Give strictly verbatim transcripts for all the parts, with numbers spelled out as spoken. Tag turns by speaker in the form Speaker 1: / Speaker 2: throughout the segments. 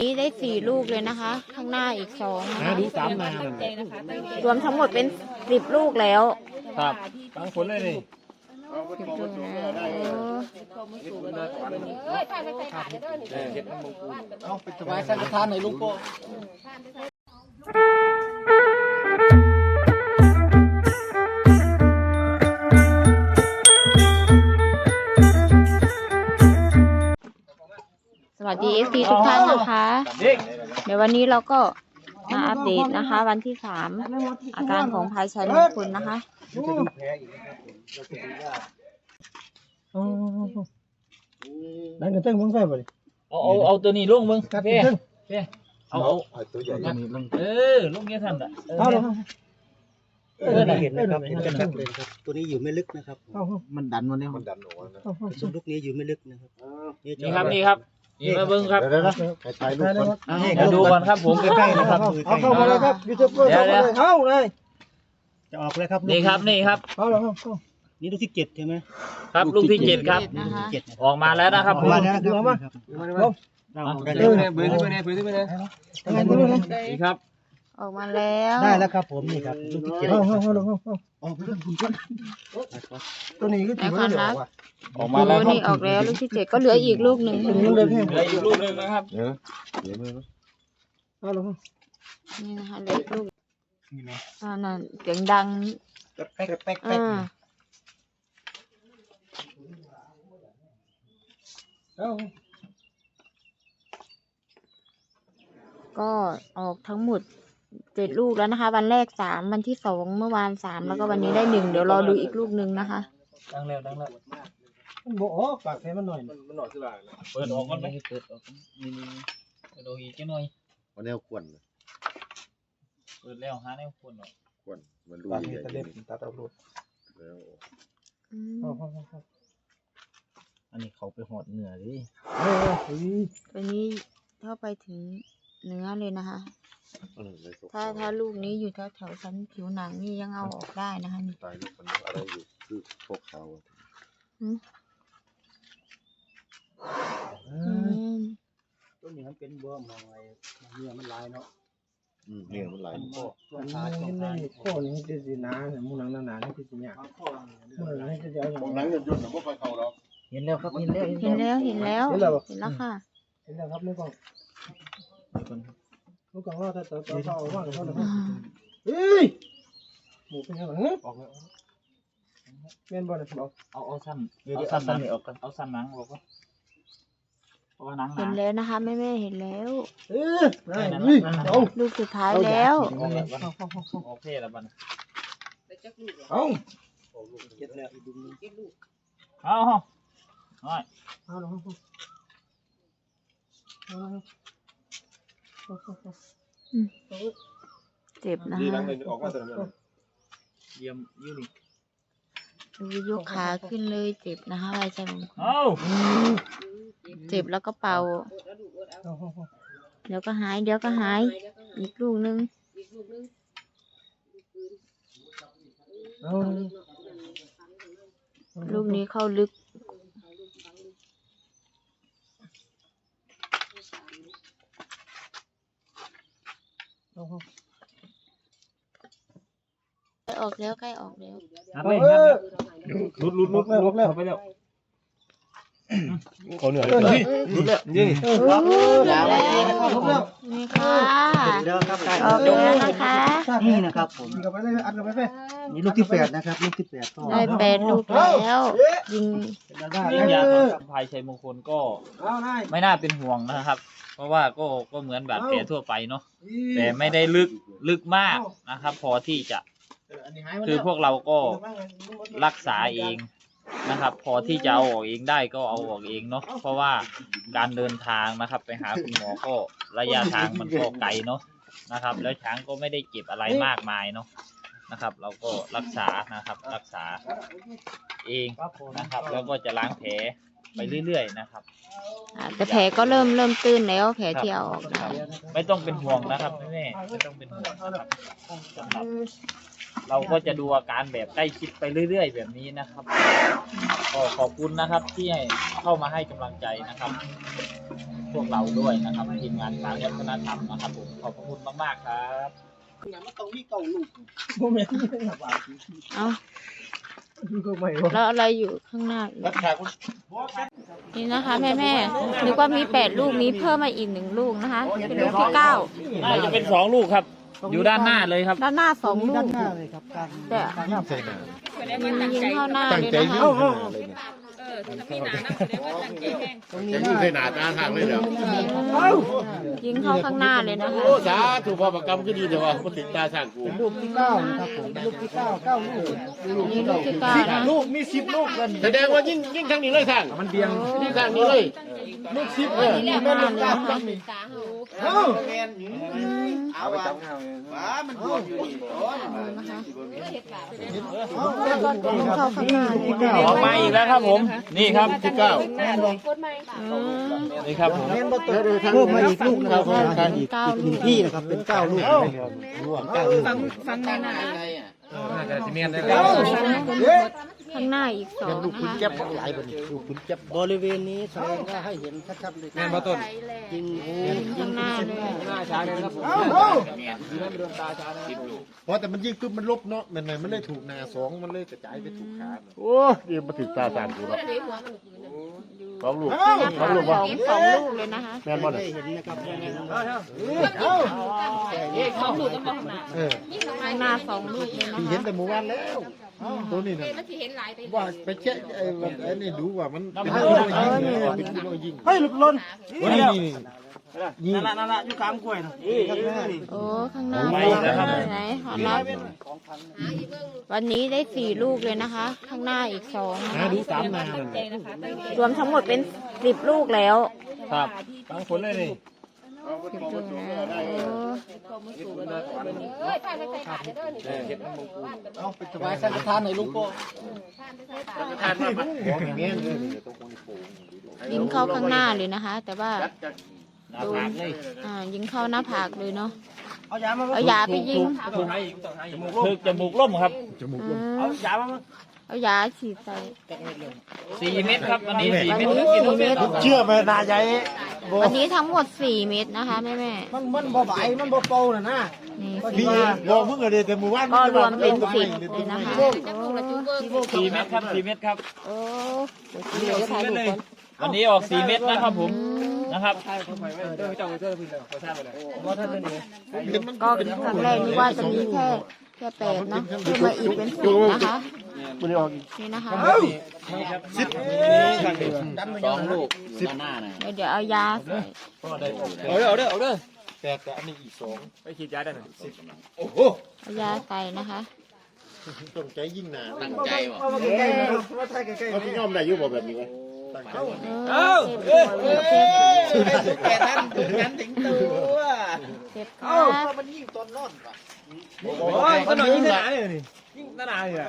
Speaker 1: นี้ได้สี่ลูกเลยนะคะ ข้างหน้าอีกสองนะคะ
Speaker 2: ดูสามนาร
Speaker 1: วมทั้งหมดเป็นสิบลูกแล้ว
Speaker 2: ครับบางคนเลยนี่
Speaker 1: สิบลูกแล้วเออ
Speaker 2: เอาไปถวายสังฆทานหน่อยลุงโป้
Speaker 1: สวัสดีเอฟซีทุกท่านนะคะ เดี๋ยววันนี้เราก็มาอัปเดตนะคะ วันที่สามอาการของพายชัยมงคลนะคะ
Speaker 2: นั่นก็เต้งมึงใส่ไปเอาเอาเอาตัวนี้ลงมึงเพ่เพ่เอาเอาตัวใหญ่ตัวนี้ลงเออลงเงี้ยทันอ่ะเอาลงเออเห็นนะครับเห็นกันเลยครับตัวนี้อยู่ไม่ลึกนะครับมันดันมาเนี่ยมันดันออกนะส่วนลูกนี้อยู่ไม่ลึกนะครับนี่ครับนี่ครับนี่มาเบิ้งครับเดี๋ยวนะถ่ายรูปก่อนเดี๋ยวดูก่อนครับผมใกล้ๆนะครับเอาเข้ามาเลยครับยูทูบเบอร์เข้ามาเลยเข้าเลยจะออกเลยครับนี่ครับนี่ครับเอาเลยครับนี่ลูกที่เจ็ดใช่ไหมครับลูกที่เจ็ดครับออกมาแล้วนะครับออกมาแล้วดูมาลงเบิ้งเลยเบิ้งเลยเบิ้งเลยเบิ้งเลยนี่ครับ
Speaker 1: ออกมาแล้ว
Speaker 2: ได้แล้วครับผมนี่ครับลูกที่เจ็ดเอาเอาเอาเอาเอาตัวนี้ก็ถือว่าเหลือว่ะออกมาแล้ว
Speaker 1: นี่ออกแล้วลูกที่เจ็ดก็เหลืออีกลูกหนึ่ง
Speaker 2: เหลืออีกลูกหนึ่งนะครับเดี๋ยวเดี๋ยวมือเอาลง
Speaker 1: นี่นะคะเหลืออีกลูกอ่านั่นเสียงดัง
Speaker 2: แป๊กแป๊กแป๊ก
Speaker 1: ก็ออกทั้งหมดเจ็ดลูกแล้วนะคะ วันแรกสามวันที่สองเมื่อวานสามแล้วก็วันนี้ได้หนึ่งเดี๋ยวรอดูอีกลูกหนึ่งนะคะ
Speaker 2: ดังแล้วดังแล้วมันโบ๋ปากแค่มันหน่อยมันหน่อยคืออะไรเปิดออกมันไหมเปิดออกนี่นี่เปิดออกอีกแค่หน่อย
Speaker 3: วันแนวขวน
Speaker 2: เปิดแล้วหาแนวขวนหรอ
Speaker 3: ขวนมันรูใหญ่
Speaker 2: ตัดเอาลูก
Speaker 3: แล้ว
Speaker 2: อันนี้เขาไปหอดเนื้อดิ
Speaker 1: ตัวนี้เข้าไปถึงเนื้อเลยนะคะถ้าถ้าลูกนี้อยู่แถวแถวชั้นผิวหนังนี่ยังเอาออกได้นะคะนี่
Speaker 3: ตายลูกมันอะไรอยู่คือพวกเขา
Speaker 2: ตัวนี้มันเป็นบ่มองไงเนื้อมันลายเนาะ
Speaker 3: เนื้อมันลาย
Speaker 2: ข้อข้อข้อนี้จะสีน้าเนี่ยมูนังหนาๆนี่คือสีเนี่ยมูนังนี่จะเดี๋ยวอย่าง
Speaker 3: หนังยุ่นๆหนังพวกไฟเขาหรอก
Speaker 2: เห็นแล้วครับเห็นแล้ว
Speaker 1: เห็นแล้วเห็นแล้วเห็นแล้วค่ะ
Speaker 2: เห็นแล้วครับนี่ก่อนลูกกังว่าถ้าต่อต่อต่อว่าเขาเลยเฮ้ยหมูเป็นยังไงออกแล้วเมียนบอลเลยบอกเอาเอาสั้นเอาสั้นสั้นออกกันเอาสั้นหนังออกก็เพราะว่าหนัง
Speaker 1: เห็นแล้วนะคะแม่แม่เห็นแล้ว
Speaker 2: เออนี่เอา
Speaker 1: ลูกสุดท้ายแล้ว
Speaker 2: โอเคแล้วบ้านเอาเก็บแล้วดูนึงเอาเอาเอาลง
Speaker 1: เจ็บนะคะ
Speaker 2: เยี่ยมยี่นี่
Speaker 1: ดูยกขาขึ้นเลยเจ็บนะคะใบชะมงคลเจ็บแล้วก็เป่าเดี๋ยวก็หายเดี๋ยวก็หายอีกลูกนึงลูกนี้เข้าลึกออกแล้วใกล้ออกแล้ว
Speaker 2: ลุดลุดลุดแล้วลุดแล้วไปแล้วเขาเหนื่อยเลยลุดแล้วนี่
Speaker 1: แล้วนี่ค่ะออกแล้วนะคะ
Speaker 2: นี่นะครับผมนี่กับไปเลยอัดกับไปไปนี่ลูกที่แปดนะครับลูกที่แปด
Speaker 1: ได้แปดลูกแล้วยิง
Speaker 2: ยิงยาของพายชัยมงคลก็ไม่น่าเป็นห่วงนะครับเพราะว่าก็ก็เหมือนบาดแผลทั่วไปเนาะแต่ไม่ได้ลึกลึกมากนะครับพอที่จะคือพวกเราก็รักษาเองนะครับพอที่จะเอาออกเองได้ก็เอาออกเองเนาะเพราะว่าการเดินทางนะครับไปหาคุณหมอก็ระยะทางมันก็ไกลเนาะนะครับแล้วช้างก็ไม่ได้เจ็บอะไรมากมายเนาะนะครับเราก็รักษานะครับรักษาเองนะครับแล้วก็จะล้างแผลไปเรื่อยๆนะครับ
Speaker 1: แต่แผลก็เริ่มเริ่มตื้นแล้วแผลที่เอาออก
Speaker 2: ไม่ต้องเป็นห่วงนะครับแม่ไม่ต้องเป็นห่วงนะครับเราก็จะดูอาการแบบใกล้ชิดไปเรื่อยๆแบบนี้นะครับก็ขอบคุณนะครับที่เข้ามาให้กำลังใจนะครับพวกเราด้วยนะครับทีมงานช้างวัฒนธรรมนะครับผมขอบคุณมากๆครับมันต้องมีเก่าลูกโมเมนต์
Speaker 1: เอาแล้วอะไรอยู่ข้างหน้าอีกนี่นะคะแม่แม่ๆนึกว่ามีแปดลูกมีเพิ่มมาอีกหนึ่งลูกนะคะ เป็นลูกที่เก้า
Speaker 2: น่าจะเป็นสองลูกครับอยู่ด้านหน้าเลยครับ
Speaker 1: ด้านหน้าสองลูกแต่ยิงเข้าหน้าเลยนะคะ
Speaker 3: ตรงนี้ยิงใส่หนาตาทางเลยเดี๋ยว
Speaker 1: ยิงเข้าข้างหน้าเลยนะคะ
Speaker 3: โอ้สาถูกพอประกรรมก็ดีเดี๋ยวว่ามันถึงตาสั่งกู
Speaker 4: ลูกที่เก้านะครับผมลูกที่เก้าเก้าลูก
Speaker 1: นี่ลูกที่เก้านะ
Speaker 3: ลูกมีสิบลูกกันแสดงว่ายิ่งยิ่งทางนี้เลยทางมันเบียงยิ่งทางนี้เลยลูกสิบเออ
Speaker 1: นี่มาเลยนะคะ
Speaker 3: เอาไปจับเอาว้ามันบวมอยู่นี่
Speaker 1: ยิงเข้าข้างหน้าเลยนะ
Speaker 2: ออกมาอีกแล้วครับผมนี่ครับที่เก้า
Speaker 1: อืม
Speaker 2: นี่ครับผม
Speaker 4: เพิ่มมาอีกลูกนะครับการอีก
Speaker 1: เก้า
Speaker 4: ห
Speaker 1: ลู
Speaker 4: นึ่ง
Speaker 1: ก
Speaker 4: ที่นะครับเป็นเก้าลูกรวมเก้าลูก
Speaker 1: ฟังในนะข้างหน้าอีกสอง
Speaker 4: ลูก
Speaker 1: นะ
Speaker 4: คุณ
Speaker 1: คะ
Speaker 4: เจ็บหลายบนลูกคุณเจ็บบริเวณนี้แสดงว่าให้เห็นชัดๆเลยแม่มาต้นยิง
Speaker 1: ข้างหน้าเลย
Speaker 3: เพราะแต่มันยิ่งปุ๊บมันลบเนาะมันมันเลยถูกนาสองมันเลยกระจายไปถูกขาโอ้ยมันถึงตาสั่งกูแล้วสองลูกสองลูก
Speaker 1: ส
Speaker 3: วะ
Speaker 1: องสองลูกเลยนะคะ
Speaker 3: แม่นบ่
Speaker 4: ได้
Speaker 3: เนี่ย
Speaker 4: เห็นนะครับ
Speaker 3: เออ
Speaker 1: ข้างหน้าสองลูกเลยนะ
Speaker 3: ที่
Speaker 1: คะ
Speaker 3: เห็นแต่เมื่อวานแล้วตัวนี้น่ะว่าไปเช็คไอ้ไอ้นี่ดูว่ามันเป็นกิโลยิงเนี่ยเป็นกิโลยิง
Speaker 4: เฮ้ยลูกล้น
Speaker 3: นี่นี่นี่
Speaker 4: นั่นนั่นนั่นอยู่กลางกล้วยนะ
Speaker 1: โอ้ข้างหน้าไหนขอนับวันนี้ได้สี่ลูกเลยนะคะ ข้างหน้าอีกสองนะ
Speaker 3: หา
Speaker 1: คะ
Speaker 3: ดูสามนาเลย
Speaker 1: รวมทั้งหมดเป็นสิบลูกแล้ว
Speaker 2: ครับทั้งคนเลยนี่
Speaker 1: สิบลูกแล้วโอ้
Speaker 4: เอาไปถวายสังฆทานหน่อยลูกโป้
Speaker 3: ทานมาของอย่างเงี้ยเลยต้องคนโป่ง
Speaker 1: ยิงเข้าข้างหน้าเลยนะคะ แต่ว่า
Speaker 2: หน้าผากเลย
Speaker 1: อ่ายิงเข้าหน้าผากเลยเนาะ
Speaker 4: เอายามา
Speaker 1: เอายาไปยิง
Speaker 2: คือจมูกล่มครับ
Speaker 3: จมูก
Speaker 1: อื
Speaker 3: ลม
Speaker 1: ม
Speaker 4: เอายามา
Speaker 1: เอายาฉีดใส่
Speaker 2: สี่เม็ดครับวันนี้สี่
Speaker 1: วัน
Speaker 2: เม็ด
Speaker 1: นี้สี่เม็ด
Speaker 3: เชื่อไหมนายใหญ่
Speaker 1: วันนี้ทั้งหมดสี่เม็ดนะคะแม่แม่
Speaker 4: มันมันบ่ไหวมันบ่โปน่ะนะ
Speaker 1: ๆนี่
Speaker 3: พี่บอกมึงอะไรแต่หมู่บ้าน
Speaker 1: ก็รวมเป็นสิบเลยนะคะโอ้
Speaker 2: สี่เม็ดครับสี่เม็ดครับ
Speaker 1: โอ้เดี๋ยวถ่ายรูปก่อน
Speaker 2: วันนี้ออกสี่เม็ดนะครับผมนะครับ
Speaker 1: ก็ครั้งแรกนี่ว่าจะมีแค่แค่แปดเนาะเพิ่มมาอีกเป็นสิบนะคะ
Speaker 3: มันออก
Speaker 1: นี่นะคะ
Speaker 3: สิบ
Speaker 2: สองลูกสิบหน้าหน่อย
Speaker 1: เดี๋ยวเดี๋ยวเอายาใส่
Speaker 2: เอาเด้อเอาเด้อเอาเด้อ
Speaker 3: แต่แต่อันนี้อีกสอง
Speaker 2: ไปฉีดยาได้หน่อย
Speaker 3: โอ้โห
Speaker 1: เอายาใส่นะคะ
Speaker 3: ต้องใจยิ่งหนา
Speaker 2: ตั้งใจว่ะ
Speaker 4: เอามาใกล้ๆเอามาใกล้ๆ
Speaker 3: เขาที่ย่อมได้ยุบแบบนี้ไหม
Speaker 1: เออเจ็บเจ็บเจ็บ
Speaker 4: แก่นั้นถึงนั้นถึงตัว
Speaker 1: เจ็บค
Speaker 4: เอ้า
Speaker 1: รับ
Speaker 4: มันยิ่งต้นนอนว่ะ
Speaker 3: โอ้ย
Speaker 4: มันหน่อยยิ่งหนาเลยนี่ยิ่งหนาเลยอ่ะ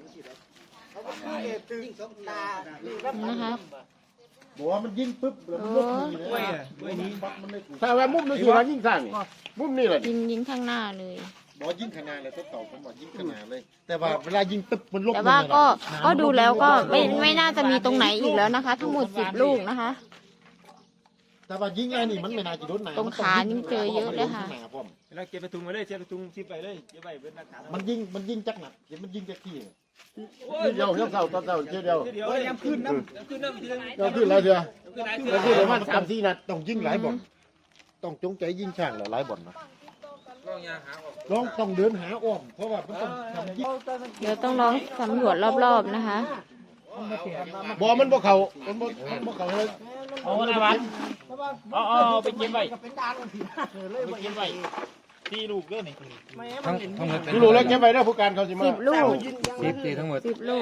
Speaker 1: นี่นะคะ
Speaker 3: บอกว่ามันยิ่งปุ๊บแล้ว
Speaker 1: โอ้
Speaker 3: มันลุกนี่เลยถ้าว่ามุมนี่คือว่ายิ่งสร้างนี่มุมนี่แหละ
Speaker 1: ยิงยิงข้างหน้าเลย
Speaker 3: บอกยิ่งขนาดเลยทดสอบผมบอกยิ่งขนาดเลย แต่ว่าเวลายิงปุ๊บมันลุก
Speaker 1: แต่ว่าก็ก็ดูแล้วก็ไม่ไม่น่าจะมีตรงไหนอีกแล้วนะคะ ทั้งหมดสิบลูกนะคะ
Speaker 3: แต่ว่ายิงไอ้นี่มันไม่น่าจะโดนหนา
Speaker 1: ตรงขานี่เจอเยอะเลยค่ะ
Speaker 4: เราเก็บไปถุงมาเลยเก็บไปถุงซิปไปเลยเก็บไปเป็นหลักฐาน
Speaker 3: มันยิงมันยิงจักหนักเดี๋ยวมันยิงจักที่เดียวเดียวเท่าตอนเท่าเดียวเดียว
Speaker 4: เดี๋ยวยังขึ้นน้ำขึ้นน้ำทีละ
Speaker 3: เราขึ้นแล้วเดียวเราขึ้นประมาณสามสี่นัดต้องยิงหลายบ่อนต้องจงใจยิงช่างหลายบ่อนนะลองต้องเดินหาอ้อมเพราะว่ามันต้องทำยิง
Speaker 1: เดี๋ยวต้องลองสำรวจรอบๆนะคะ
Speaker 3: บ่มันบ่เข้ามันบ่บ่เข้าเลย
Speaker 2: เอาหน้าวันเอาเอาไปเก็บไว้ไปเก็บไว้ที่ลูกเด้อนี่
Speaker 4: ทั้งทั้งหมด
Speaker 3: ดูรู้แล้วเก็บไว้แล้วผู้การเขาสิมา
Speaker 1: สิบลูก
Speaker 4: สิบตีทั้งหมด
Speaker 1: สิบลูก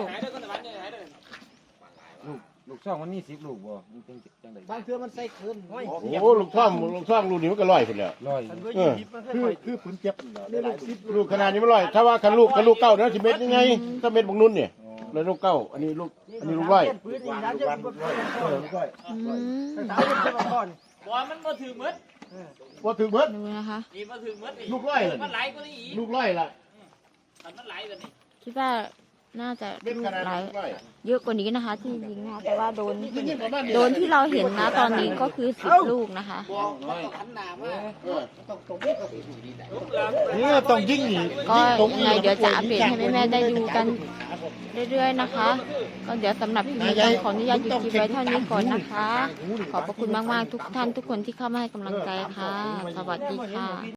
Speaker 4: ลูกช่องมันมีสิบลูกบ่มันเป็นจังไดบางเทื่อมันใส่คืนห้อย
Speaker 3: โอ้ลูกท่อมลูกท่อมลูกนี้มันก็ลอยพุ่นแล้ว
Speaker 4: ร้อย
Speaker 3: เออคือคือปืนเจ็บลูกขนาดนี้มันลอยถ้าว่าคันลูกคันลูกเก้าเด้อสิเม็ดยังไงถ้าเม็ดบางนุ่นเนี่ยแล้วลูกเก้าอันนี้ลูกอันนี้ลูกร้อยเออลูกร้อย
Speaker 1: อืม
Speaker 2: บอลมันมาถึงมืด
Speaker 3: บ่ถึงเบิด
Speaker 1: ดูนะคะ
Speaker 2: นี่มาถึงมืด
Speaker 3: ลูกร้อยล่ะ
Speaker 2: มันไหลกว่านี้อีก
Speaker 3: ลูกร้อยล่ะ
Speaker 2: มันไหลแบบนี้
Speaker 1: คิดว่าน่าจะลูกหลายเยอะกว่านี้นะคะ ที่ยิงนะคะแต่ว่าโดนโดนที่เราเห็นนะตอนนี้ก็คือสิบลูกนะคะ
Speaker 3: นี่ต้องยิงนี่
Speaker 1: ก็ยังไงเดี๋ยวจะอัปเดตให้แม่ๆได้ดูกันเรื่อยๆนะคะ ก็เดี๋ยวสำหรับคลิปนี้ต้องขออนุญาตหยุดคลิปไว้เท่านี้ก่อนนะคะ ขอบพระคุณมากๆทุกท่านทุกคนที่เข้ามาให้กำลังใจค่ะ สวัสดีค่ะ